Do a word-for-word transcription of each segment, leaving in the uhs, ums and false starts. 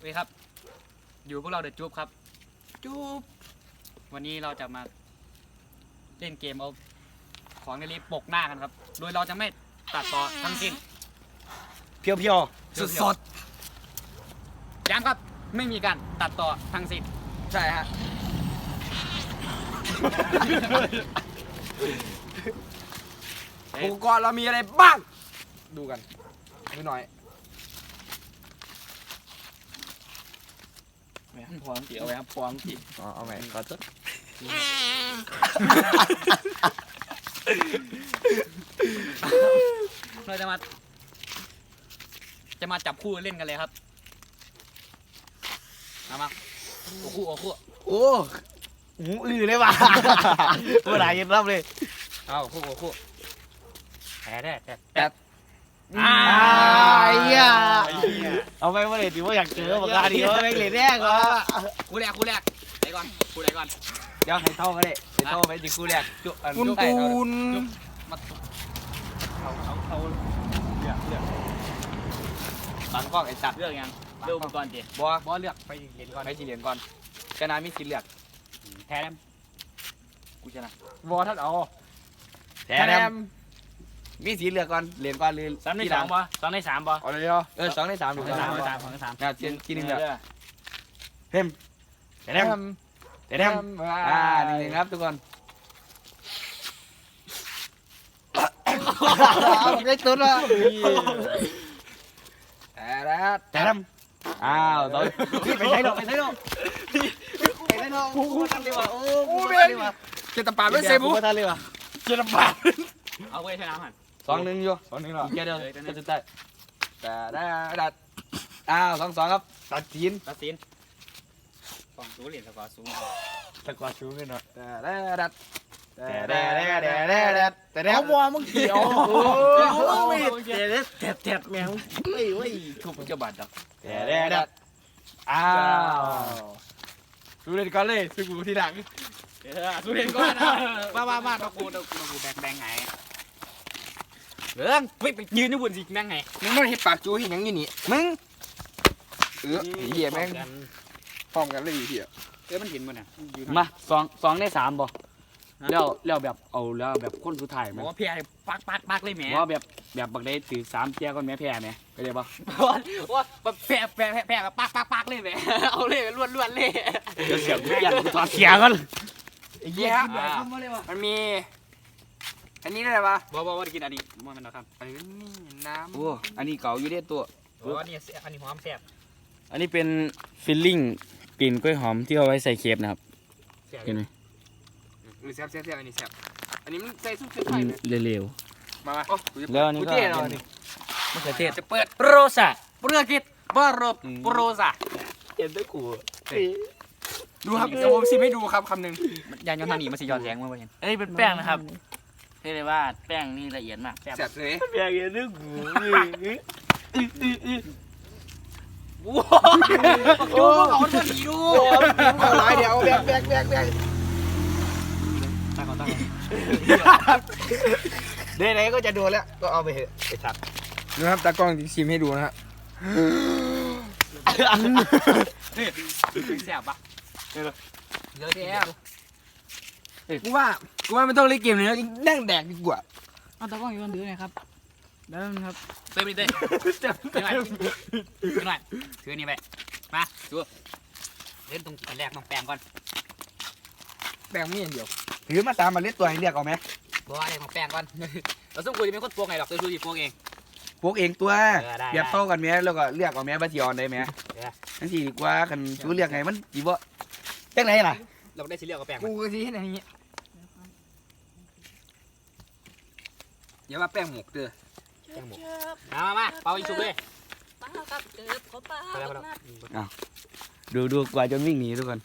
สวัสดีครับอยู่พวกเราเดอะจูบครับจูบวันนี้เราจะมาเล่นเกมเอาของในลิฟต์ปกหน้ากันครับโดยเราจะไม่ตัดต่อทั้งสิ้นเพียวเพียวสดสดย้ำครับไม่มีการตัดต่อทั้งสิ้นใช่ฮะอุปกรณ์เรามีอะไรบ้างดูกันดูหน่อยพร้อมจีเอาไว้ครับพร้อมจีอ๋อเอาใหม่ขอจุดเราจะมาจะมาจับคู่เล่นกันเลยครับเอามาโอ้คู่โอ้คู่โอ้หูอื้อเลยว่ะเมื่อไหร่ยังรับเลยเอาคู่คู่แพ้ได้แต่แต่อ้าไอ้เหี้ยเอาไปเมื่อไหร่ถือว่าอยากเจอปากกาดีว่าไม่เหลือแน่ก่อนคู่แรกคู่แรกไหนก่อนคู่ไหนก่อนเดี๋ยวให้เท่ากันเลยให้เท่าไปดิคู่แรกจุ๊อันคุณจุ๊ปูนมาเขาเขาเขาเลือกเลือกตังกล้องไอ้สัตว์เลือกยังเลือกอุปกรณ์จีบัวบัวเลือกไปเหรียญก่อนไปสีเหรียญก่อนชนะมีสิทธิ์เลือกแพ้แล้วกูชนะบัวท่านเอาแถมมีสีเหลือกก่อนเหรียญก่อนหรือสามในสามปะสองในสามปะเอาเลยเหรอเออสองในสามสถูองกในต้องสามสองในสามสองในสามนะทีทีหนึ่งเดียวเออเต็มแถมแถมอ่าหนึ่งหนึ่งครับทุกคนได้ตุ้นละแถมอ้าวตอนนี่ไปใช้ดอกไปใช้ดอกไปใช้ดอกกูกูทันเลยว่ะโอ้กูทันเลยว่ะเจตปาไม่เซบุกูทันเลยว่ะเจตปาเอาไว้ชนะมันสองหนึ่งอยู่สองหนึ่งหรอเกียร์เดียวก็จะได้แต่ได้ดัดอ้าวสองสองครับตัดจีนตัดสินสองสูงเหรียญสกอร์สูงตะกวาดชูขึ้นหน่อยแต่ได้ดัดแต่ได้แต่ได้แต่แต่ได้เอาบัวมึงเกี่ยวโอ้ยเจ๊แทบแทบแมวเฮ้ยเฮ้ยทุบจะบาดดับแต่ได้ดัดอ้าวดูเล่นก่อนเลยซึ่งกูที่หลังเออสูงเหรียญก่อนมามามาตะกูตะกูตะกูแบกแบงไงเรื่องไปไปยืนอยู่บนสิแบงไงมึงไม่เห็นปากจูเห็นยังยี่นี่มึงเออเหี้ยแม่งพร้อมกันเลยเหี้ยเอ้ยมันเห็นมันอ่ะมาสองสองในสามบ่แล้วแล้วแบบเอาแล้วแบบคนสุดท้ายไหมบอกว่าเพียปักปักปักเลยแหมว่าแบบแบบบักได้ถือสามเจ้าก่อนแม่แพ้ไหมเข้าใจปะว่าแพ้แพ้แพ้แพ้ปักปักปักเลยแหมเอาเลยล้วนล้วนเลยเดี๋ยวเสียงยันกูถอดเสียก่อนไอ้เหี้ยมันมี อันนี้ได้ปะบอกบอกว่ากินอันนี้มันมันนะครับอันนี้น้โอ้อันนี้เก่าอยู่เด้ตัวบอกว่านี่อันนี้หอมแซ่บอันนี้เป็นฟิลลิ่งกลิ่นกล้วยหอมที่เอาไว้ใส่เคฟนะครับแซ่บเห็นไหมำหรือแซ่บแซ่บแซ่บอันนี้แซ่บอันนี้มันใส่ซุปเส้นมัไข่นเลยเร็วมาๆแล้วอันนี้กูก็เท่เราเป็นนี่มะเขือเทศจะเปิดโรซาโปรกิตบารโปรซาเห็นด้วยกูดูครับเดี๋ยวผมชิมให้ดูครับคำหนึ่งยานยนต์ทางนี้มันสิย้อนแสงมาเห็นอันนี้เป็นแป้งนะครับเรียกได้ว่าแป้งนี่ละเอียดมากแซ่บเลยแบกเห็นด้วยกูว้าวดูพวกเขาตัวนี้ดูเอาหลายเดี๋ยวแบกแบกแบกแบกตาก่อนตาก่อนเดี๋ยวไหนก็จะโดนแล้วก็เอาไปเถอะไอ้สัตว์ดูครับตากล้องชิมให้ดูนะฮะแซ่บปะเยอะแซ่บกูว่ากูว่าไม่ต้องเล่นเกมเลยนะนั่งแดกดีกว่าเอาตะกล้องอยู่บนถือหน่อยครับได้ไหมครับเต้ยไปเต้ยถือหน่อยถือหน่อยถือนี่ไปมาดูเล่นตรงอันแรกต้องแปลงก่อนแบกมีอย่างเดียวถือมาตามมาเล็ดตัวให้เรียกเอาไหมบอกว่าอะไรของแปลงก่อนเราต้องคุยจะเป็นคนพวกไงหรอกตัวชูดีพวกเองพวกเองตัวเออได้เรียบเท่ากันไหมแล้วก็เรียกเอาไหมบัตรยอนได้ไหมนั่นสิดีกว่าคันชูเรียกไงมันจีบ่จังไหนล่ะเราได้สีเหลืองกับแปลงกูก็ทีให้ไหนนี้อย่าว่าแป้งหมกเด้อมามามาเป่าอีกชุบเลยป้ากับเกิบเขาป้าไปแล้วไปบักแล้วนัดดูดูกว่าจนวิ่งหนีทุกคน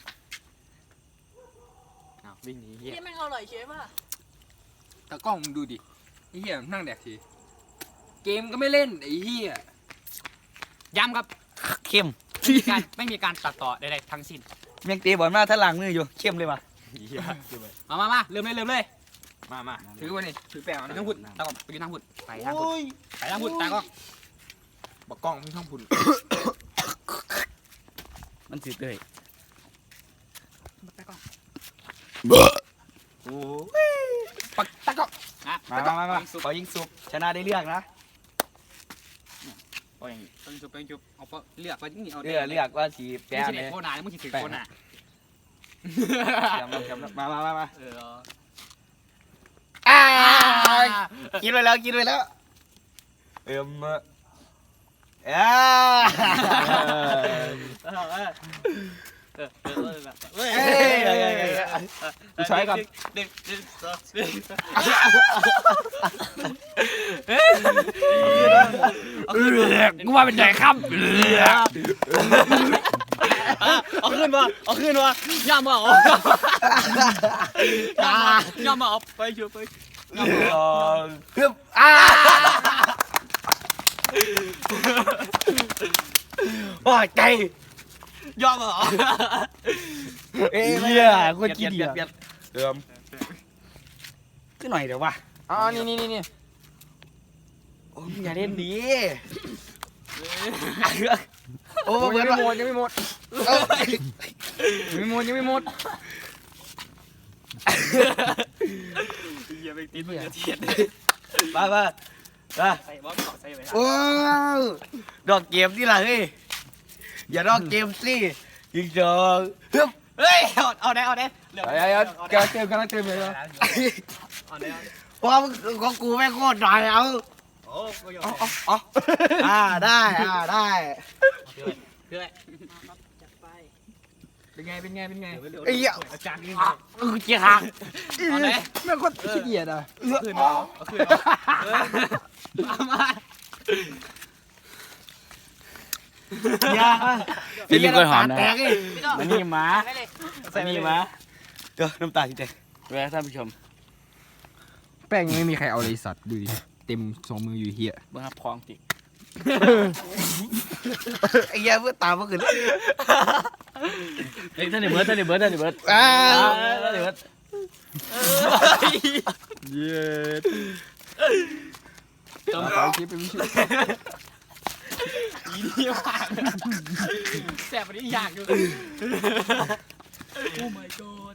วิ่งหนีเฮียนี่มันอร่อยใช่ป่ะตากล้องมึงดูดิไอ้เหี้ยนั่งแดกทีเกมก็ไม่เล่นไอ้เหี้ยย้ำครับเข้มไม่มีการไม่มีการตัดต่อใดๆทั้งสิ้นเมียงเตะบอลมาถ้าล้างมืออยู่เข้มเลยว่ะมามามาเริ่มเลยเริ่มเลยมามาถือวันนี้ถือแป้งไปนะทางพุ่นตาก่อนไปยืนทางพุ่นไปทางพุ่นไปทางพุ่นตาก่อนบอกกล้องมึงช่องพุ่นมันสิเต้ยไปก่อนโอ้ปักตะก็อ่ะมามามามาขอยิงสุกชนะได้เลือกนะโอ้ยต้องจุบต้องจุบเอาเลือกไปที่นี่เอาเลือกเลือกว่าสีแปไม่มใช่เลเด็กยโคนามึงสิถือโคนาจำจำมามามามาเอออ่ากินไปแล้วกินไปแล้วเอิ่มอ่าเออเออเออเออแบบเฮ้ยเอ้ยกูใช้ก่อนหนึ่งหนึ่งสองหนึ่งเอาขึ้นมากูว่าเป็นใหญ่ครับเอาขึ้นมาเอาขึ้นมาย่ามาเอาย่ามาย่ามาเอาไปช่วยไปย่ามาเอาเพิ่มอ่าโอ้ยใจย่ามาเอาเอ้ยเหี้ยกูกินเปลี่เดียยนเปลี่ยนเอิ่มขึ้นหน่อยเดี๋ยววะอ๋อนี่นี่นี่นี่โอ้ยอย่าเล่นดีโอ้โอ้เหมืยัอนงไม่ว่าหมดยังไม่หมดเอ้ยยังไม่หมดยังไม่หมดอย่าไปติดมึงอย่าเทียดมามามาใส่บอลใส่ไปโอ้ยดอกเกมนี่ล่ะเฮ้ยอย่าดอกเกมสิยิงจองเฮ้ยเฮ้ยเอาเอาได้เอาได้ไอ้ไอ้กำลังเติมกำลังเติมเลยเอาได้เพราะของกูแม่งโคตรหน่อยเอาโอ้ก็ยอมเอาเอาอ่าได้อ่าได้เพื่อนจัดไปเป็นไงเป็นไงเป็นไงไอ้เหี้ยอาจารย์นี่เออเจี๊ยหักเอาได้แม่งคนขี้เกียจอ่ะขึ้นเอาเอาขึ้นเอามาอย่าฟิลลิ่งกล้วยหอมนะแตกเลยพี่ต่อมันนี่หมาได้เลยมันนี่หมาเดี๋ยวน้ำตาทีเดียวแวะท่านผู้ชมแป้งยังไม่มีใครเอาเลยสัตว์ดูดิเต็มสองมืออยู่เฮียเบิ่งครับพร้องติไอ้เหี้ยเพื่อตามเมื่อคืนเฮ้ยท่านเดเบิร์ดท่านเดเบิร์ดท่านเดเบิร์ดอ้าท่านเดเบิร์ดเย้ต้องเอาคลิปไปวิชิอีนี่มากแสบอันนี้ยากอยู่โอ้ my god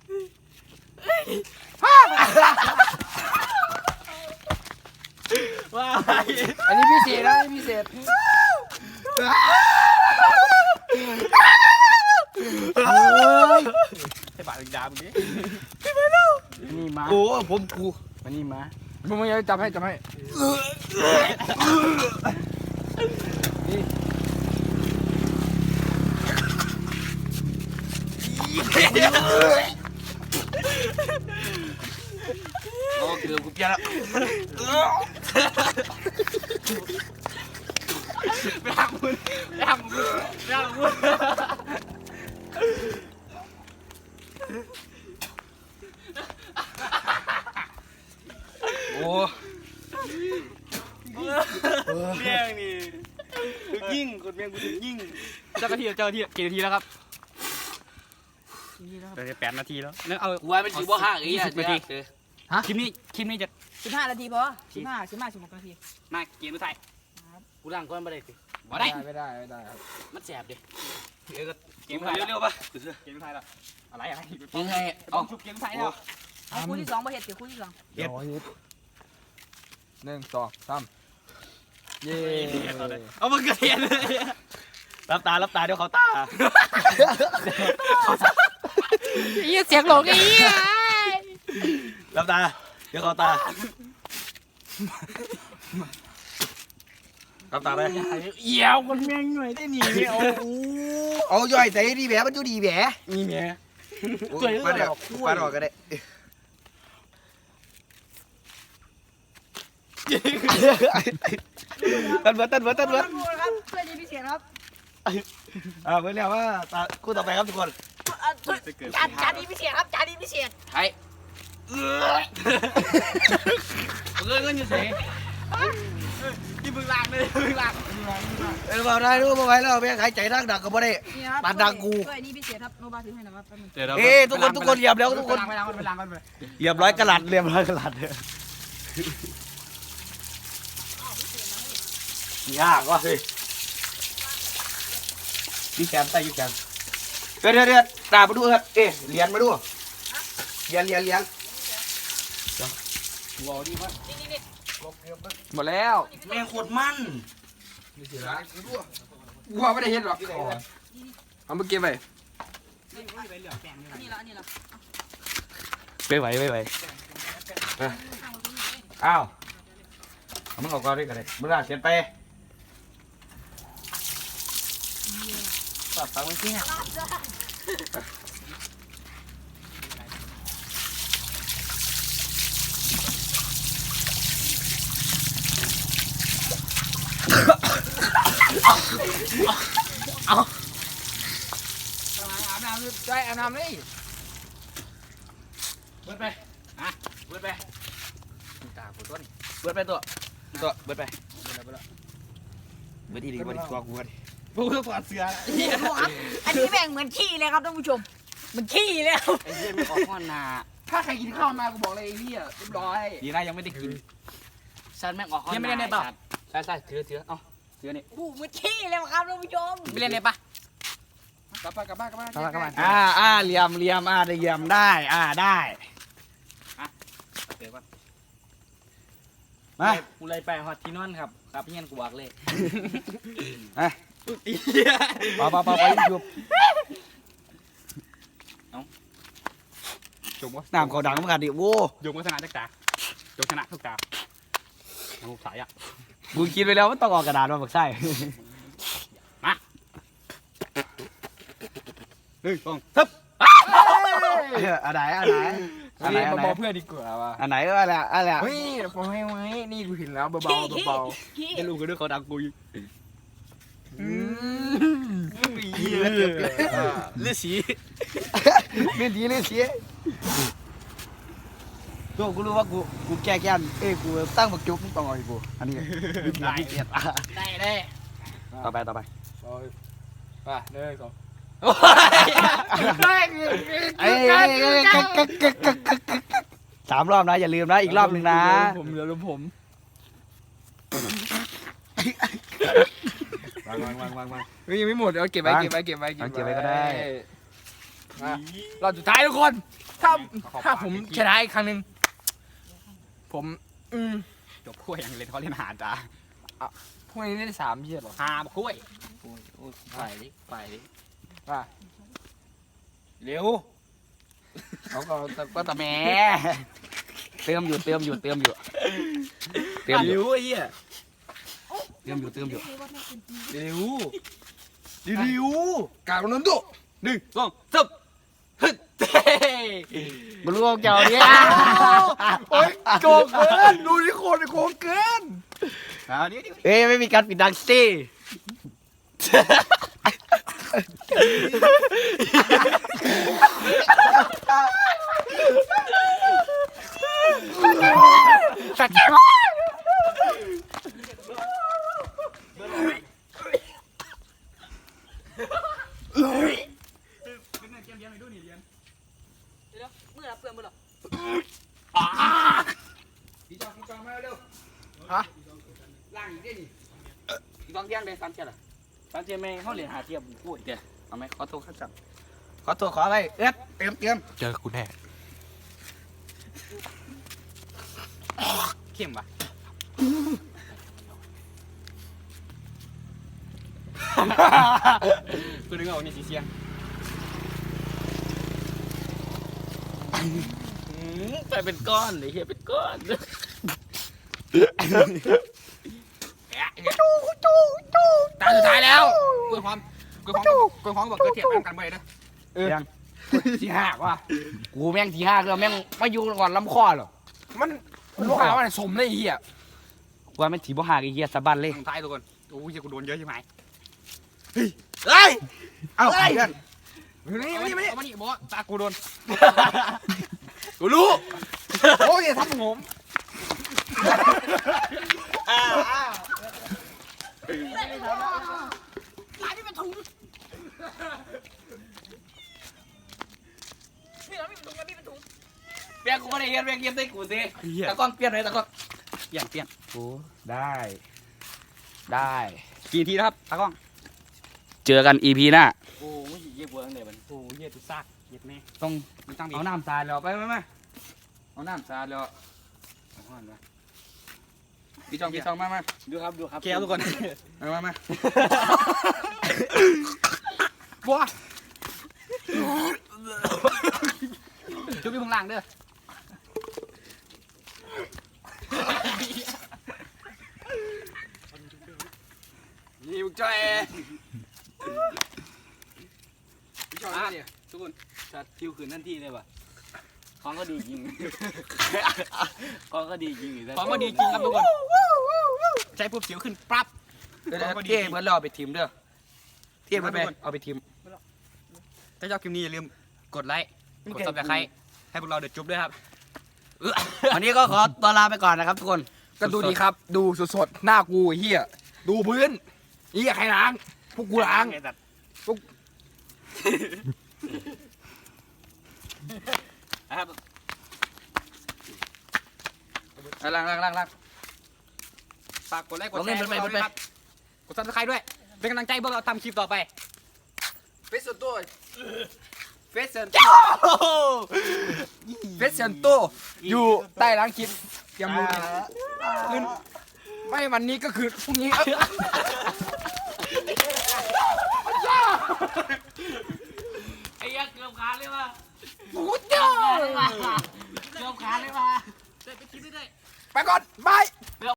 ว้าอันนี้พิเศษนะอันนี้พิเศษให้ปากดามนี้นี่หมาโอ้ผมกูมันนี่หมามึงมึงอย่าจับให้จับให้โอ้เกือบกูเปลี่ยนแล้วไปทำมึงไปทำมึงไปทำมึงโอ้เมี่ยงนี่ยิ่งคนเมี่ยงกูถึงยิ่งเจ้าหน้าที่เจ้าหน้าที่กี่นาทีแล้วครับเออแปดนาทีแล้วนึกเอากูว่าเป็นสีบ่ห่างไอ้เหี้ยสิบนาทีคลิปนี้คลิปนี้จะสิบห้านาทีพอสิบห้าสิบห้าสิบหกนาทีมาเกมผู้ไทยกูล้างก้อนมาได้สิบ่ได้ไม่ได้ไม่ได้ครับมันแสบดิเกมผู้ไทยเร็วๆป่ะเกมผู้ไทยแล้วอะไรอะไรยังไงเอาชุบเกมผู้ไทยแล้วเอาคู่ที่สองมาเห็ดเดี๋ยวคู่ที่สองเดี๋ยวฮิตหนึ่งสองสามเย้เอามันกระเทียนเลยรับตารับตาเดี๋ยวเขาตายี่เสียงหลงอีรับตาเดี๋ยวเขาตารับตาไปเอี่ยวคนแม่งหน่อยได้หนีไม่เอาเอาย่อยใจดีแหวมันอยู่ดีแหวนี่แม่มาเดี๋ยวมาดอกก็ได้ตันเบิร์ดตันเบิร์ดตันเบิร์ดครับเพื่อนนี้พิเศษครับอ่าเพื่อนเรียกว่าตาคู่ต่อไปครับทุกคนจานจานนี้พิเศษครับจานนี้พิเศษไอ้เงินเงินอยู่ไหนที่มึงลากเลยมึงลากเออมาได้รู้มาไว้แล้วแม่หายใจดังดังก็ไม่ได้นี่ครับปานดังกูเพื่อนนี้พิเศษครับโนบาถือให้หน่อยครับแป๊บนึงเอ้ทุกคนทุกคนเหยียบแล้วทุกคนไปล้างไปล้างไปล้างเหยียบร้อยกระหลัดเรียบร้อยกระหลัดเลยยากว่ะเฮ้ยยูแคมใต้ยูแคมเดี๋ยวเดี๋ยวเดี๋ยวตามาดูครับเอ๊ะเหรียญมาดูเหรียญเหรียญเหรียญว้าวดีมากหมดแล้วแม่งโคตรมันกูว่าไม่ได้เห็นหรอกเอามาเก็บไปนี่ละนี่ละไปไหวไปไหวอ้าวเอามึงออกก่อนด้วยกันเลยมึงอ่ะเขียนไปปรับฟังไว้สิฮะอาบน้ำใจอาบน้ำเลยเบิดไปอ่ะเบิดไปตาปวดต้นเบิดไปตัวตัวเบิดไปเบิดแล้วเบิดแล้วเบิดอีดีกว่าดีกว่ากูดิกูต้องถอดเสื้ออันนี้แม่งเหมือนขี้เลยครับท่านผู้ชมเหมือนขี้แล้วไอ้เหี้ยไม่ออกข้อนาถ้าใครกินข้าวมากูบอกเลยไอ้เหี้ยเรียบร้อยดีนะยังไม่ได้กินฉันแม่งออกข้อนายังไม่ได้ในเปล่าใช่ใช่เสือเสือเอ้าเสือนี่โอ้เหมือนขี้เลยครับท่านผู้ชมไม่เล่นเลยปะกลับบ้านกลับบ้านกลับบ้านกลับบ้านกลับบ้านอ่าอ่าเหลี่ยมเหลี่ยมอ่าได้เหลี่ยมได้อ่าได้เดี๋ยวก่อนมากูเลยไปฮอตที่นอนครับครับพี่เงี้ยกูบอกเลยปะปะปะไปยุบจงวะน้ำเขาดังเหมือนกันดิโว้จงวัฒนาจักตาจงชนะทุกตาลูกสายอ่ะกูคิดไปแล้วว่าต้องออกกระดาษมาบักไส้เฮ้ยฟองอันไหนอันไหนอันไหนนี่อันมาไหนบอกเพื่อนดีกว่าว่ะอันไหนก็อะไรอะไรเฮ้ยผมให้ไว้นี่กูเห็นแล้วเบาขี้ๆขี้เบาขี้จะรู้กันด้วยเขาดังกูอยู่ๆอืมเลือดสีเล่นดีเล่นเสียตัวกูรู้ว่ากูกูแก้แค้นเอ้ยกูตั้งบักจุกต้องเอาอีกกูอันนี้ได้เกียรติได้ได้ต่อไปต่อไปป่ะหนึ่งสองเอ้ยสามรอบนะอย่าลืมนะอีกรอบหนึ่งนะผมเดี๋ยวผมวางวางวางวางวางเฮ้ยยังไม่หมดเอาเก็บไว้เก็บไว้เก็บไว้เก็บไว้ก็ได้มารอบสุดท้ายทุกคน ถ้าถ้าผมชนะอีกครั้งหนึ่งผมอืมจบขั้วอย่างเล่นเขาเล่นหาจ้าพวกนี้ได้สามเยียดหรอหาขั้วไปดิไปดิว่าเร็วเขาก็ก็ตะแหมเติมอยู่เติมอยู่เติมอยู่เติมอยู่เร็วไอ้เหี้ยเติมอยู่เติมอยู่เร็วดิวกาบนนตุหนึ่งสองสามฮึดเต้บรู้เจ้าเนี่ยโอ้ยโกงเกินดูที่คนโกงเกินเอาดิเอ้ยไม่มีการปิดดังซี่สัตว์แก่มากมือละเปลือกมือละล่างอีกได้นี่อีกสองเที่ยงเลยสามเที่ยงเหรอตอนเจมเขาเหรียญหาเทียบพูดเดี๋ยวเอาไหมขอโทษข้าจับขอตัวขออะไรเอ็ดเตรียมเตรียมเจอกูแน่เข้มปะกูนึกเอานี่สีเสียงไปเป็นก้อนเลยเฮียเป็นก้อนตาสุดท้ายแล้วกล้วยหอมกล้วยหอมกล้วยหอมบอกเกิดเทียบกันไปนะยังที่หักว่ะกูแม่งทีห้าคือแม่งมาอยู่ก่อนลำคอหรอมันลูกค้ามันสมเลยไอ้เหี้ยกูว่าแม่งถีบ่หากไอ้เหี้ยสะบันเลยทางท้ายทุกคนโอ้ยกูโดนเยอะใช่ไหมเฮ้ยเอ้าเพื่อนนี่เอานี่มานี่นี่เอามานี่บอกว่าตากูโดนกูรู้โอ้ยอย่าทำผมร้านนี้เป็นถุงนี่ร้านนี้เป็นถุงร้านนี้เป็นถุงเปลี่ยนกูไม่ได้เรียนเปลี่ยนเรียนได้กูสิตะก้องเปลี่ยนเลยตะก้องเปลี่ยนเปลี่ยนกูได้ได้กี่ทีนะครับตากล้องเจอกัน อี พี หน้าโอ้ยเยี่ยมเวิร์กเลยมันโอ้ยตุซากเหยียดแม่ต้องมันตั้งบีเอาน้ำสาดแล้วไปไปไปเอาน้ำสาดแล้วเอาห้อนมาพี่จองพี่จองมามาดูครับดูครับโอเคครับทุกคนมามามาบัวจุ๊บอยู่ข้างล่างเด้อนี่บุกจ้อยพี่จองมาเนี่ยทุกคนชัดคิวคืนทันทีเลยว่ะของก็ดีจริงของก็ดีจริงของก็ดีจริงครับทุกคนใช้ปุ๊บสิวขึ้นปั๊บเดี๋ยวเที่ยเบิร์ดเราเอาไปทีมเด้อเที่ยเบิร์ดไปเอาไปทีมถ้าชอบคลิปนี้อย่าลืมกดไลค์กดซับสไครต์ให้พวกเราเดือดจุ๊บด้วยครับวันนี้ก็ขอตัวลาไปก่อนนะครับทุกคนก็ดูดีครับ ดูสดๆหน้ากูไอ้เฮียดูพื้นเฮียใครล้างพวกกูล้างนะครับเอาล่างล่างล่างล่างฝากกดไลค์กดลองแชเล่นร์ไปพวกเราไปด้วยครับกดซับสไครต์ด้วยเป็นกำลังใจให้พวกเราทำคลิปต่อไปเฟสเซนโต้เฟสเซนโอ้เฟสเซนโตอยู่ใต้ล้างคลิปเตรียมดูดีนะคืนไม่วันนี้ก็คือพรุ่งนี้ไอ้ยักษ์เกือบขาดเลยว่ะกูเจ้าเกือบขาดเลยว่ะเสร็จไปคลิปด้วยไปก่อนบาย